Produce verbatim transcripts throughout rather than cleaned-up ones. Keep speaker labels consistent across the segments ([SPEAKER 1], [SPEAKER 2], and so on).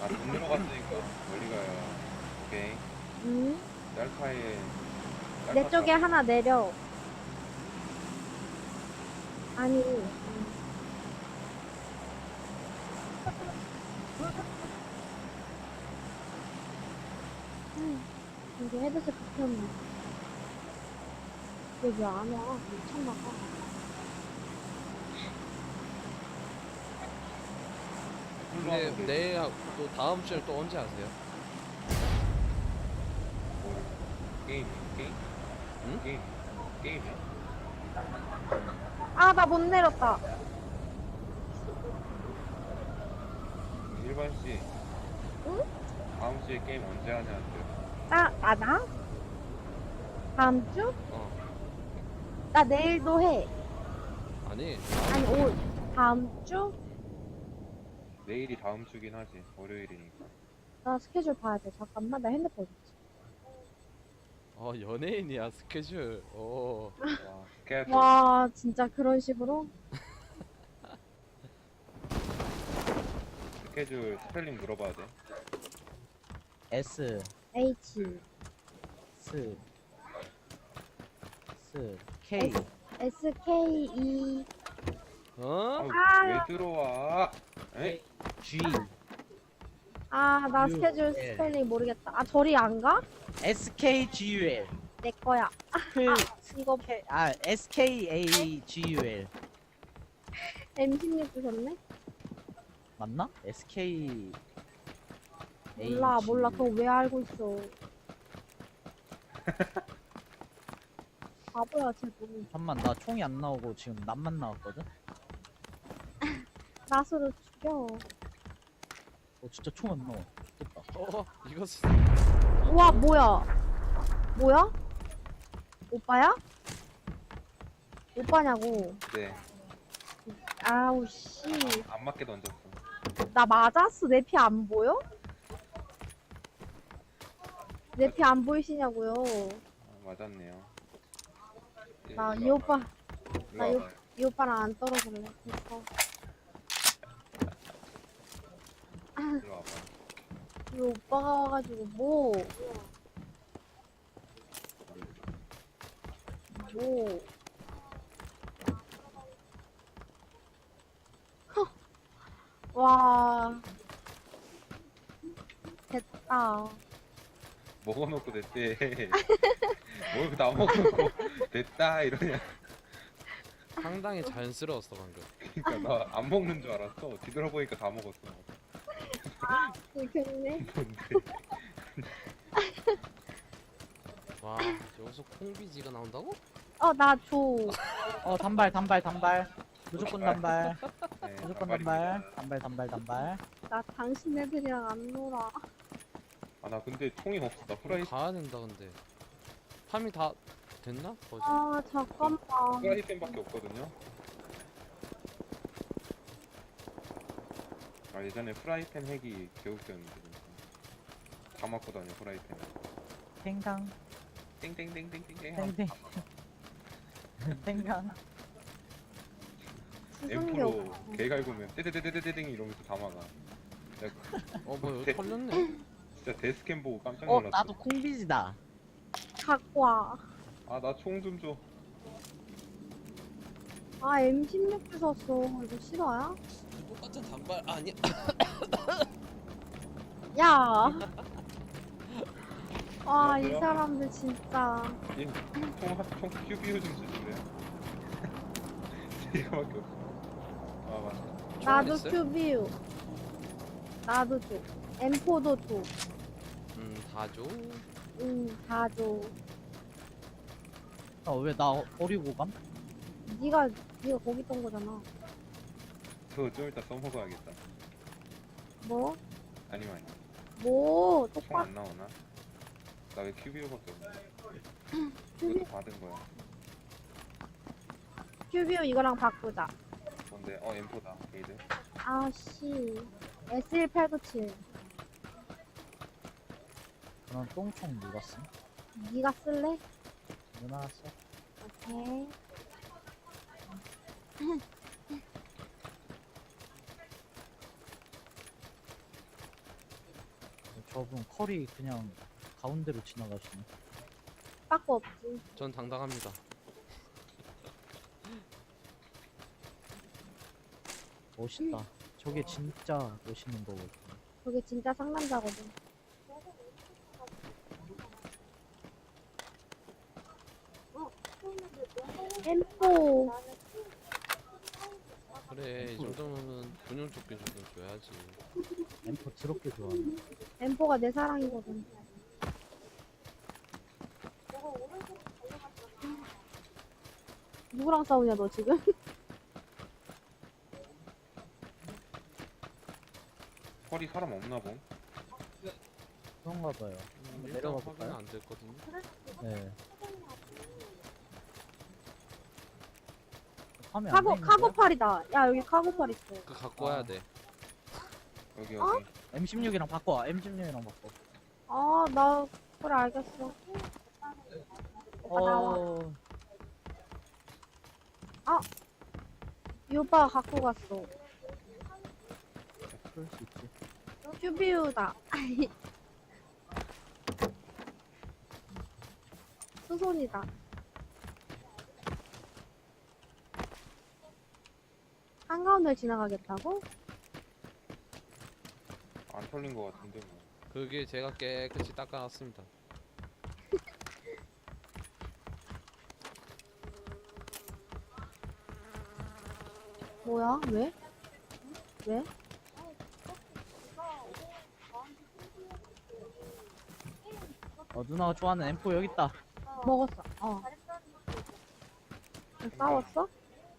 [SPEAKER 1] 아, 못 내려갔으니까 멀리 가요. 오케이.
[SPEAKER 2] 응?
[SPEAKER 1] 짤카에.
[SPEAKER 2] 내 쪽에 하나 내려. 아니. 음. 이게 헤드셋 붙였네. 얘 왜 안 와? 미쳤나봐.
[SPEAKER 3] 근데 내일 또 다음 주에 또 언제 하세요?
[SPEAKER 1] 게임, 게임?
[SPEAKER 3] 응?
[SPEAKER 1] 게임, 게임이야?
[SPEAKER 2] 아, 나 못 내렸다.
[SPEAKER 1] 일반 씨,
[SPEAKER 2] 응?
[SPEAKER 1] 다음 주에 게임 언제 하냐는데.
[SPEAKER 2] 나, 아, 나? 다음 주?
[SPEAKER 3] 어.
[SPEAKER 2] 나 내일도 해.
[SPEAKER 3] 아니,
[SPEAKER 2] 아니, 오, 다음 주?
[SPEAKER 1] 내일이 다음 주긴 하지. 월요일이니까.
[SPEAKER 2] 나 스케줄 봐야 돼. 잠깐만, 나 핸드폰 있지.
[SPEAKER 3] 어, 연예인이야, 스케줄. 오.
[SPEAKER 1] 와, 스케줄.
[SPEAKER 2] 와, 진짜 그런 식으로?
[SPEAKER 1] 스케줄 스펠링 물어봐야 돼.
[SPEAKER 4] S
[SPEAKER 2] H,
[SPEAKER 4] S S K
[SPEAKER 2] S, K, E.
[SPEAKER 3] 어?
[SPEAKER 1] 아유,
[SPEAKER 2] 아.
[SPEAKER 1] 왜 들어와? 에?
[SPEAKER 4] G
[SPEAKER 2] 아, 나
[SPEAKER 4] U,
[SPEAKER 2] 스케줄
[SPEAKER 4] L.
[SPEAKER 2] 스펠링 모르겠다. 아, 저리 안 가?
[SPEAKER 4] S K G U L
[SPEAKER 2] 내 거야.
[SPEAKER 4] 그
[SPEAKER 2] 아, 이거
[SPEAKER 4] K 아 S K A G U L
[SPEAKER 2] 엠 십육 주셨네?
[SPEAKER 4] 맞나? S K A
[SPEAKER 2] 몰라,
[SPEAKER 4] G U L.
[SPEAKER 2] 몰라. 그거 왜 알고 있어. 바보야, 쟤도.
[SPEAKER 4] 잠만 나 총이 안 나오고 지금 낫만 나왔거든?
[SPEAKER 2] 낫으로 죽여.
[SPEAKER 4] 어 진짜 총 안 나와 됐다
[SPEAKER 3] 어, 이거 스-
[SPEAKER 2] 우와, 뭐야? 뭐야? 오빠야? 오빠냐고.
[SPEAKER 1] 네.
[SPEAKER 2] 아우, 씨.
[SPEAKER 1] 안 맞게 던졌어.
[SPEAKER 2] 나 맞았어. 내 피 안 보여? 내 피 안 보이시냐고요.
[SPEAKER 1] 아, 맞았네요. 예,
[SPEAKER 2] 나 이
[SPEAKER 1] 일로
[SPEAKER 2] 오빠,
[SPEAKER 1] 와봐요. 일로
[SPEAKER 2] 나 이,
[SPEAKER 1] 와봐요.
[SPEAKER 2] 이 오빠랑 안 떨어질래. 됐어.
[SPEAKER 1] 일로 와봐요.
[SPEAKER 2] 이 오빠가 와가지고 뭐, 뭐. 허. 와. 됐다.
[SPEAKER 1] 먹어놓고 됐대. 뭘 다 먹어놓고 됐다 이러냐.
[SPEAKER 3] 상당히 자연스러웠어, 방금.
[SPEAKER 1] 그니까 나 안 먹는 줄 알았어. 뒤돌아보니까 다 먹었어.
[SPEAKER 2] 이겼네.
[SPEAKER 1] 뭔데?
[SPEAKER 3] 와, 여기서 콩비지가 나온다고?
[SPEAKER 2] 어, 나 줘.
[SPEAKER 4] 어 단발 단발 단발 무조건 단발
[SPEAKER 1] 네,
[SPEAKER 4] 무조건
[SPEAKER 1] 단발입니다.
[SPEAKER 4] 단발 단발 단발 단발
[SPEAKER 2] 나 당신네들이랑 안 놀아.
[SPEAKER 1] 아 나 근데 총이 없어. 나
[SPEAKER 3] 우리
[SPEAKER 1] 프라이
[SPEAKER 3] 가야 된다, 근데. 팜이 다 됐나? 뭐지?
[SPEAKER 2] 아, 잠깐만.
[SPEAKER 1] 프라이팬밖에 없거든요. 아 예전에 프라이팬 핵이 개웃겼는데 진짜. 다 맞고 다녀 프라이팬.
[SPEAKER 4] 탱강
[SPEAKER 1] 땡땡땡땡땡땡.
[SPEAKER 4] 땡땡 탱강
[SPEAKER 2] 수승기
[SPEAKER 1] 엠프로
[SPEAKER 2] 없어.
[SPEAKER 1] 개 갈구면 떼떼떼떼떼땡 이러면서 다 막아. 내가
[SPEAKER 3] 어, 뭐, 여기
[SPEAKER 1] 대-
[SPEAKER 3] 털렸네?
[SPEAKER 1] 진짜 데스캠 보고 깜짝
[SPEAKER 4] 어
[SPEAKER 1] 놀랐어.
[SPEAKER 4] 나도 콩비지다
[SPEAKER 2] 갖고 와.
[SPEAKER 1] 아 나 총 좀 줘.
[SPEAKER 2] 아, 엠 십육 주셨어. 이거 실화야?
[SPEAKER 3] 똑같은 단발, 아니야.
[SPEAKER 2] 야. 아, 이
[SPEAKER 1] 뭐야?
[SPEAKER 2] 사람들 진짜.
[SPEAKER 1] 총총 큐비오 좀 주실래요? 이거밖에 없어. 아 맞다.
[SPEAKER 2] 나도
[SPEAKER 3] 있어요?
[SPEAKER 2] 큐비유. 나도 줘. 엠 포도 줘.
[SPEAKER 3] 음, 다 줘.
[SPEAKER 2] 응, 다 줘.
[SPEAKER 4] 어 왜 나 버리고 감?
[SPEAKER 2] 니가, 니가 거기 있던 거잖아.
[SPEAKER 1] 그거 좀 이따 써먹어야겠다.
[SPEAKER 2] 뭐?
[SPEAKER 1] 아니면 아니.
[SPEAKER 2] 뭐?
[SPEAKER 1] 총
[SPEAKER 2] 똑같,
[SPEAKER 1] 안 나오나? 나 왜 큐비오밖에 없냐?
[SPEAKER 2] 큐비,
[SPEAKER 1] 이것도 받은 거야.
[SPEAKER 2] 큐비유 이거랑 바꾸자.
[SPEAKER 1] 뭔데? 어 엠포다. 게이드.
[SPEAKER 2] 아씨. 에스 일팔구칠.
[SPEAKER 4] 그런 똥총 누가 쓴?
[SPEAKER 2] 니가 쓸래?
[SPEAKER 4] 누나 써?
[SPEAKER 2] 오케이.
[SPEAKER 4] 저분 컬이 그냥 가운데로 지나가시네.
[SPEAKER 2] 빠꾸 없지.
[SPEAKER 3] 전 당당합니다.
[SPEAKER 4] 멋있다. 저게 진짜 멋있는 거거든.
[SPEAKER 2] 저게 진짜 상남자거든. 엠포.
[SPEAKER 3] 그래 이 정도면 군용 조끼 정도 줘야지.
[SPEAKER 4] 엠포 드럽게 좋아하네.
[SPEAKER 2] 엠포가 내 사랑이거든. 누구랑 싸우냐 너 지금?
[SPEAKER 1] 펄이 사람 없나 봄?
[SPEAKER 4] 그런가 봐요.
[SPEAKER 3] 음, 일단
[SPEAKER 4] 내려가
[SPEAKER 3] 확인은
[SPEAKER 4] 볼까요?
[SPEAKER 3] 안 됐거든요.
[SPEAKER 4] 네. 화면 안
[SPEAKER 2] 카고
[SPEAKER 4] 보이는데요?
[SPEAKER 2] 카고팔이다. 야 여기 카고팔 있어.
[SPEAKER 3] 그 갖고 와야
[SPEAKER 4] 아.
[SPEAKER 3] 돼.
[SPEAKER 1] 여기
[SPEAKER 2] 어?
[SPEAKER 1] 여기.
[SPEAKER 4] 엠 십육이랑 바꿔. 엠 십육이랑 바꿔.
[SPEAKER 2] 아 나 그래 알겠어. 오빠 나와.
[SPEAKER 4] 어.
[SPEAKER 2] 이 오빠가 갖고 갔어.
[SPEAKER 4] 그럴 수 있지.
[SPEAKER 2] 쭈비우다. 수손이다. 한가운데 지나가겠다고?
[SPEAKER 1] 안 털린 거 같은데 뭐.
[SPEAKER 3] 그게 제가 깨끗이 닦아놨습니다.
[SPEAKER 2] 뭐야? 왜? 왜?
[SPEAKER 4] 어, 누나가 좋아하는 엠포 여기 있다.
[SPEAKER 2] 먹었어. 어. 싸웠어?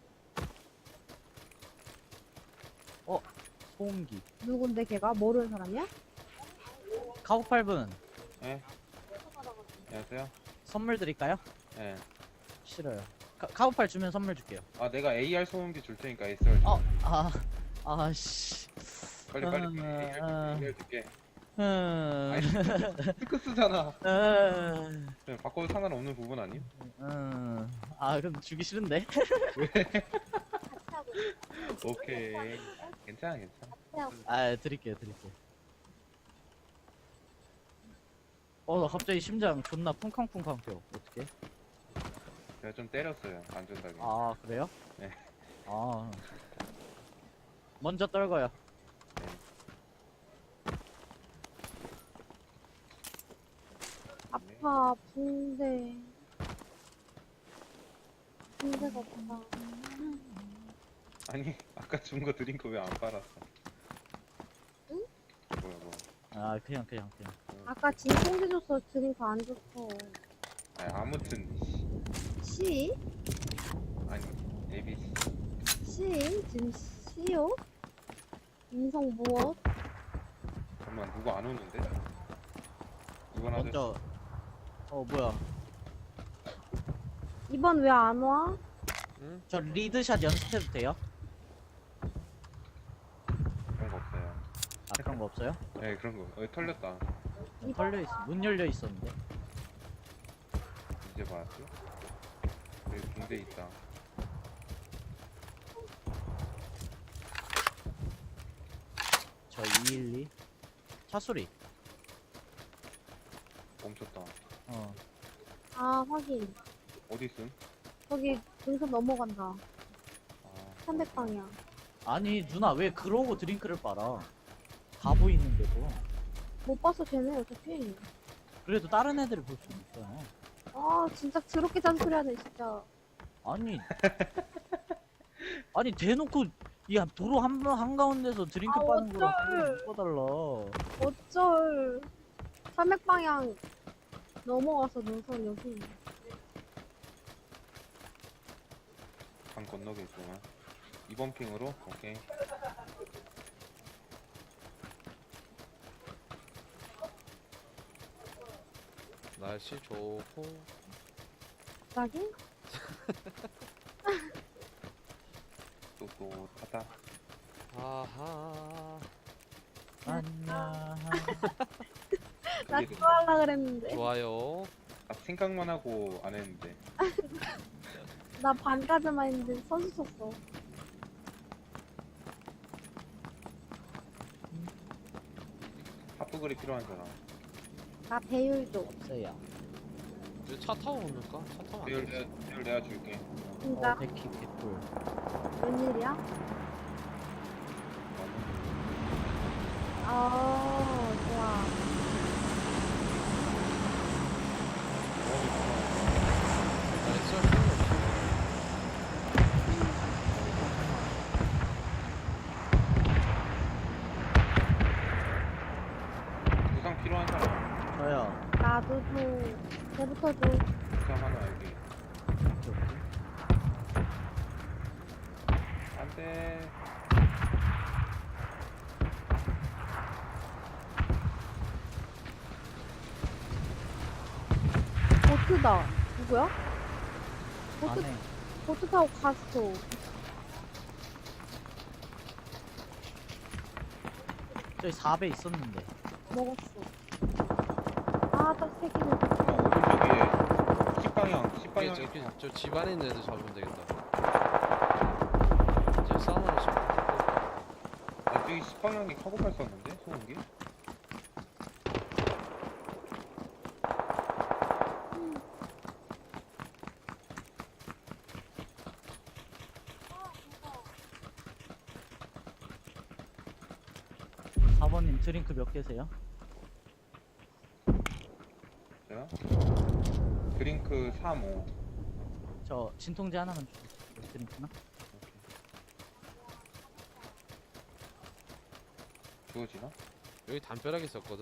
[SPEAKER 4] 소음기.
[SPEAKER 2] 누군데 걔가? 모르는 사람이야?
[SPEAKER 4] 가구 팔 분
[SPEAKER 1] 예? 안녕하세요.
[SPEAKER 4] 선물 드릴까요?
[SPEAKER 1] 예.
[SPEAKER 4] 싫어요. 가, 가구 팔 주면 선물 줄게요.
[SPEAKER 1] 아 내가 에이알 소음기 줄 테니까 에스알 줘.
[SPEAKER 4] 어, 아, 아, 씨.
[SPEAKER 1] 빨리 빨리.
[SPEAKER 4] 음,
[SPEAKER 1] 에이알
[SPEAKER 4] 음.
[SPEAKER 1] 에이알 줄게.
[SPEAKER 4] 음,
[SPEAKER 1] 아니 스크스잖아.
[SPEAKER 4] 음,
[SPEAKER 1] 네, 바꿔도 상관없는 부분 아님?
[SPEAKER 4] 음. 아, 그럼 주기 싫은데?
[SPEAKER 1] 오케이. 괜찮아 괜찮아.
[SPEAKER 4] 아, 드릴게요, 드릴게요. 어, 나 갑자기 심장 존나 쿵쾅쿵쾅 뛰어. 어떡해?
[SPEAKER 1] 제가 좀 때렸어요. 안전하게.
[SPEAKER 4] 아, 그래요?
[SPEAKER 1] 네.
[SPEAKER 4] 아. 먼저 떨궈요.
[SPEAKER 2] 아파, 붕대. 붕대가 없다.
[SPEAKER 1] 아니 아까 준 거 드린 거 왜 안 빨았어?
[SPEAKER 2] 응?
[SPEAKER 1] 뭐야 뭐.
[SPEAKER 4] 아, 그냥, 그냥, 그냥.
[SPEAKER 2] 아까 진통제 줬어. 드링크 안 줬어.
[SPEAKER 1] 아니 아무튼
[SPEAKER 2] 시?
[SPEAKER 1] 아니 에이비씨.
[SPEAKER 2] 시? 지금 시요? 인성 무엇?
[SPEAKER 1] 잠깐만 누구 안 오는데? 이번 아저씨
[SPEAKER 4] 먼저. 어, 뭐야.
[SPEAKER 2] 이번 왜 안 와?
[SPEAKER 3] 응?
[SPEAKER 4] 저 리드샷 연습해도 돼요?
[SPEAKER 1] 그런 거 없어요.
[SPEAKER 4] 아, 그런 거 없어요?
[SPEAKER 1] 네 그런 거. 어 털렸다.
[SPEAKER 4] 문 털려 있어. 문 열려 있었는데.
[SPEAKER 1] 이제 봤지? 여기 붕대 있다.
[SPEAKER 4] 저 이일이. 차 소리.
[SPEAKER 1] 멈췄다.
[SPEAKER 4] 어.
[SPEAKER 2] 아, 확인.
[SPEAKER 1] 어디 있음?
[SPEAKER 2] 저기 등선 넘어간다.
[SPEAKER 1] 아,
[SPEAKER 2] 삼백 방향.
[SPEAKER 4] 아니, 누나 왜 그러고 드링크를 빨아? 다 보이는데도.
[SPEAKER 2] 못 봤어, 쟤네, 어차피.
[SPEAKER 4] 그래도 다른 애들을 볼 수 있잖아.
[SPEAKER 2] 아, 진짜 더럽게 잔소리 하네, 진짜.
[SPEAKER 4] 아니. 아니, 대놓고, 야, 도로 한, 한가운데서 드링크
[SPEAKER 2] 아,
[SPEAKER 4] 빠는 거랑
[SPEAKER 2] 어쩔.
[SPEAKER 4] 꺼달라.
[SPEAKER 2] 어쩔. 삼백 방향 넘어가서 능선 여기.
[SPEAKER 1] 강 건너게 있구나. 이번 핑으로? 오케이.
[SPEAKER 3] 날씨 좋고
[SPEAKER 2] 갑자기?
[SPEAKER 1] 똑똑하다.
[SPEAKER 3] 아하
[SPEAKER 4] 안녕.
[SPEAKER 2] 나
[SPEAKER 1] 이게
[SPEAKER 2] 그거 하려 그랬는데.
[SPEAKER 3] 좋아요.
[SPEAKER 1] 아, 생각만 하고 안 했는데.
[SPEAKER 2] 나 반까지만 했는데 선수 쳤어.
[SPEAKER 1] 핫도그 닭도그리 필요한 사람.
[SPEAKER 2] 나 배율 줘.
[SPEAKER 4] 없어요.
[SPEAKER 3] 이제 차 타고 오는가? 차 타면 안
[SPEAKER 1] 배율
[SPEAKER 3] 돼.
[SPEAKER 1] 내가, 배율 내가 줄게.
[SPEAKER 2] 진짜
[SPEAKER 4] 어, 백키 개꿀.
[SPEAKER 2] 웬일이야? 어 좋아.
[SPEAKER 3] 나이스 할 필요 없어.
[SPEAKER 1] 구상 필요한 사람.
[SPEAKER 4] 저요.
[SPEAKER 2] 나도 줘. 걔부터 줘.
[SPEAKER 1] 구상 하나 여기.
[SPEAKER 4] 오케이, 오케이.
[SPEAKER 1] 안돼.
[SPEAKER 2] 보트다. 누구야? 보트
[SPEAKER 4] 안에.
[SPEAKER 2] 보트 타고 갔어.
[SPEAKER 4] 저기 사 배 있었는데.
[SPEAKER 2] 먹었어. 아, 딱 세 개는.
[SPEAKER 1] 오른쪽 위에 십방향.
[SPEAKER 3] 이게
[SPEAKER 1] 십방향.
[SPEAKER 3] 저기 저 집안에 있는 애들 잡으면 되겠다. 이제 싸움하러 좀.
[SPEAKER 1] 아, 저기 십방향이 카고팔 썼는데 소음기.
[SPEAKER 4] 사 번님 드링크 몇 개세요?
[SPEAKER 1] 자. 드링크 삼, 오.
[SPEAKER 4] 저 진통제 하나만 주세요. 드링크나?
[SPEAKER 1] 주어지나?
[SPEAKER 3] 여기 담벼락에 있었거든.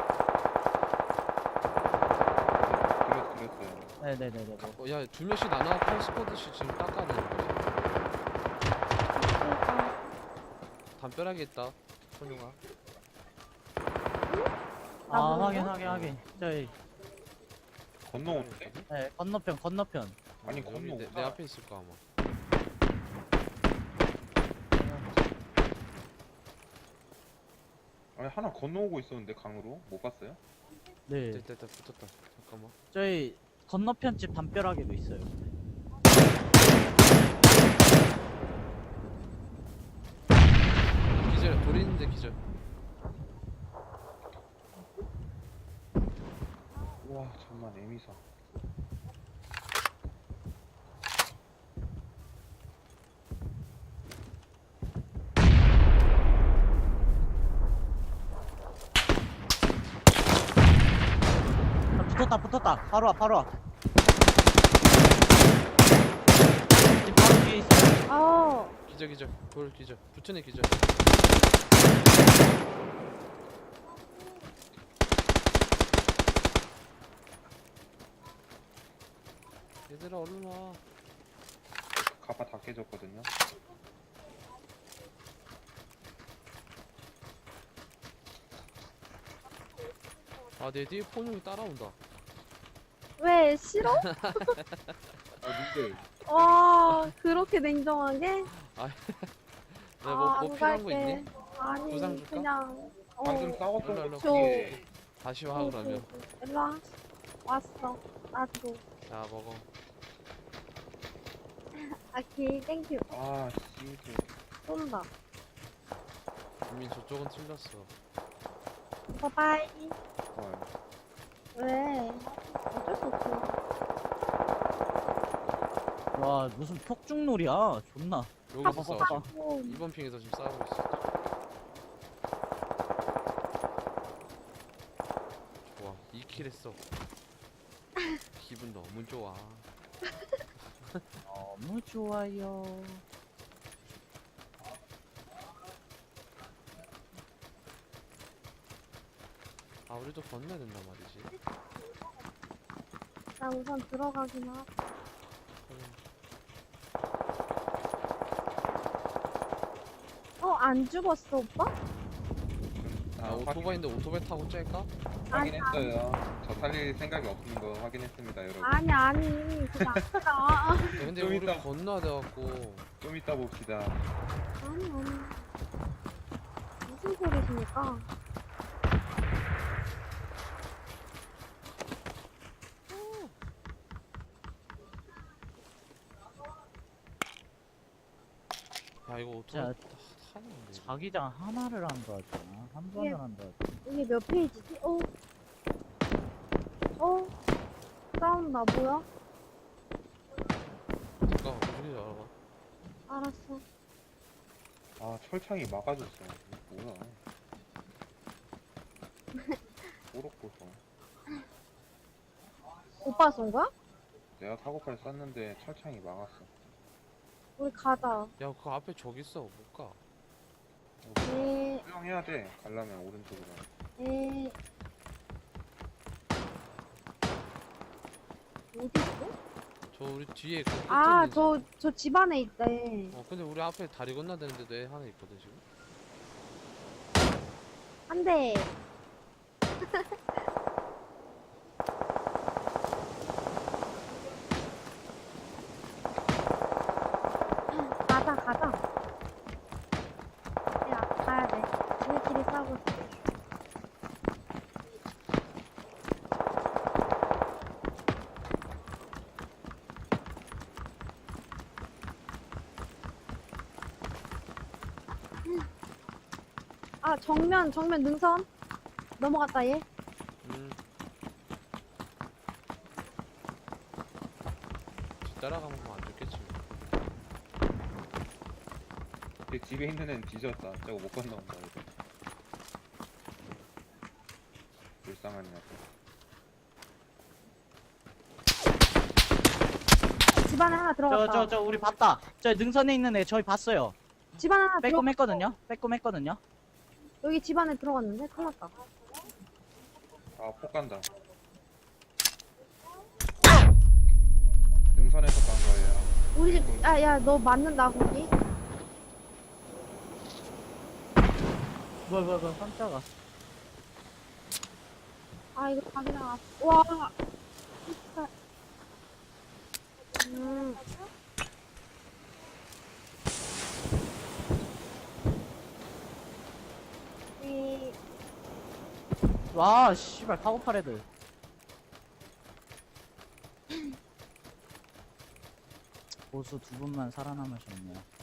[SPEAKER 1] 드렸, 드렸어요.
[SPEAKER 4] 네네네네. 뭐.
[SPEAKER 3] 어, 야, 두 명씩 나눠갖고 한 스쿼드씩 지금 닦아야 되는 거야. 담벼락에 있다. 손용아.
[SPEAKER 2] 나
[SPEAKER 4] 아
[SPEAKER 2] 모르나?
[SPEAKER 4] 확인 확인 확인. 저희
[SPEAKER 1] 건너오는데?
[SPEAKER 4] 네, 건너편 건너편.
[SPEAKER 1] 아니,
[SPEAKER 3] 어, 여기
[SPEAKER 1] 건너
[SPEAKER 3] 내,
[SPEAKER 1] 오다.
[SPEAKER 3] 내 앞에 있을 거야 아마.
[SPEAKER 1] 아니, 하나 건너오고 있었는데, 강으로. 못 봤어요?
[SPEAKER 4] 네.
[SPEAKER 3] 됐다 됐다 붙었다. 잠깐만.
[SPEAKER 4] 저희 건너편 집 담벼락에도 있어요.
[SPEAKER 3] 기절 돌 있는데 기절.
[SPEAKER 1] 우와, 잠만, 에미사.
[SPEAKER 4] 아, 붙었다 붙었다. 바로 와 바로 와. 집 바로 뒤에 있어요.
[SPEAKER 2] 아,
[SPEAKER 3] 기절 기절. 돌 기절. 붙은 애 기절. 얘들아 얼른 와.
[SPEAKER 1] 가파 다 깨졌거든요.
[SPEAKER 3] 아 내 뒤에 폰용이 따라온다.
[SPEAKER 2] 왜 싫어?
[SPEAKER 1] 아, 님들.
[SPEAKER 2] 와, 그렇게 냉정하게?
[SPEAKER 3] 내가 뭐,
[SPEAKER 2] 아,
[SPEAKER 3] 뭐
[SPEAKER 2] 안
[SPEAKER 3] 필요한 거
[SPEAKER 2] 갈게.
[SPEAKER 3] 있니?
[SPEAKER 2] 아니,
[SPEAKER 3] 부상 줄까?
[SPEAKER 2] 그냥. 어,
[SPEAKER 1] 방금 싸웠던
[SPEAKER 3] 일로, 일로.
[SPEAKER 1] 거 뒤에.
[SPEAKER 3] 다시 와 그러면.
[SPEAKER 2] 일로 와. 왔어. 나도.
[SPEAKER 3] 자 먹어.
[SPEAKER 2] 아키, 땡큐.
[SPEAKER 1] 아, 씨들.
[SPEAKER 2] 쏜다.
[SPEAKER 3] 이미 저쪽은 틀렸어.
[SPEAKER 2] 바이바이.
[SPEAKER 1] 좋아요.
[SPEAKER 2] 왜? 어쩔 수 없어.
[SPEAKER 4] 와 무슨 폭죽놀이야. 존나.
[SPEAKER 3] 여기서 싸워.
[SPEAKER 4] 봐봐.
[SPEAKER 2] 어,
[SPEAKER 3] 이번 핑에서 지금 싸우고 있어. 좋아, 이 킬 했어. 기분 너무 좋아.
[SPEAKER 4] 너무 좋아요.
[SPEAKER 3] 아, 우리도 건너야 된단 말이지.
[SPEAKER 2] 나 우선 들어가긴 하. 어, 안 죽었어, 오빠?
[SPEAKER 3] 아,
[SPEAKER 1] 아,
[SPEAKER 3] 오토바이인데 오토바이 타고 짤까?
[SPEAKER 2] 아니,
[SPEAKER 1] 확인했어요. 저 살릴 생각이 없는 거 확인했습니다, 여러분.
[SPEAKER 2] 아니, 아니. 그게 아니라.
[SPEAKER 3] 야, 근데
[SPEAKER 1] 좀
[SPEAKER 3] 우리
[SPEAKER 1] 이따-
[SPEAKER 3] 건너야 돼갖고.
[SPEAKER 1] 좀 이따 봅시다.
[SPEAKER 2] 아니, 아니. 무슨 소리십니까?
[SPEAKER 3] 야, 이거 오토바이
[SPEAKER 4] 자,
[SPEAKER 3] 타- 타는데.
[SPEAKER 4] 자기장 하나를 한다 하잖아. 한 번을
[SPEAKER 2] 예.
[SPEAKER 4] 한다 하잖아.
[SPEAKER 2] 이게 몇 페이지지? 어? 어? 싸운다, 뭐야?
[SPEAKER 3] 누가 무슨 알아봐.
[SPEAKER 2] 알았어.
[SPEAKER 1] 아 철창이 막아줬어. 이거 뭐야? 꼬록꼬록.
[SPEAKER 2] 오빠 쏜 거야?
[SPEAKER 1] 내가 사고팔 쐈는데 철창이 막았어.
[SPEAKER 2] 우리 가자.
[SPEAKER 3] 야, 그 앞에 저기 있어. 못 가.
[SPEAKER 2] 에,
[SPEAKER 1] 수영해야 돼. 가려면 오른쪽으로.
[SPEAKER 2] 에. 어디 있어?
[SPEAKER 3] 저 우리 뒤에 그 끝에
[SPEAKER 2] 아,
[SPEAKER 3] 있는
[SPEAKER 2] 저,
[SPEAKER 3] 집.
[SPEAKER 2] 저 집 안에 있대.
[SPEAKER 3] 어, 근데 우리 앞에 다리 건너야 되는데 내 하나 있거든 지금.
[SPEAKER 2] 한 대. 가자, 가자. 야, 가야 돼. 우리끼리 싸우고 있어. 아, 정면, 정면 능선. 넘어갔다, 얘.
[SPEAKER 3] 음. 뒤 따라가면 뭐안 죽겠지.
[SPEAKER 1] 근데 집에 있는 애는 뒤졌다. 저거 못 건너온다 이거. 불쌍한 녀석.
[SPEAKER 2] 집 안에 하나 들어갔다.
[SPEAKER 4] 저 저 저 우리 봤다. 저 능선에 있는 애 저희 봤어요.
[SPEAKER 2] 집 안에 하나 들어.
[SPEAKER 4] 빼꼼했거든요. 빼꼼했거든요.
[SPEAKER 2] 여기 집 안에 들어갔는데? 큰일 났다.
[SPEAKER 1] 아폭 간다. 능선에서 간 거예요.
[SPEAKER 2] 우리 집, 아, 야, 너 맞는다, 거기?
[SPEAKER 4] 뭐야 뭐야 뭐야 깜짝아.
[SPEAKER 2] 아, 이거 자기랑, 앞- 와. 진짜. 음. 이,
[SPEAKER 4] 와 씨발 카고팔 애들. 보수 두 분만 살아남으셨네요.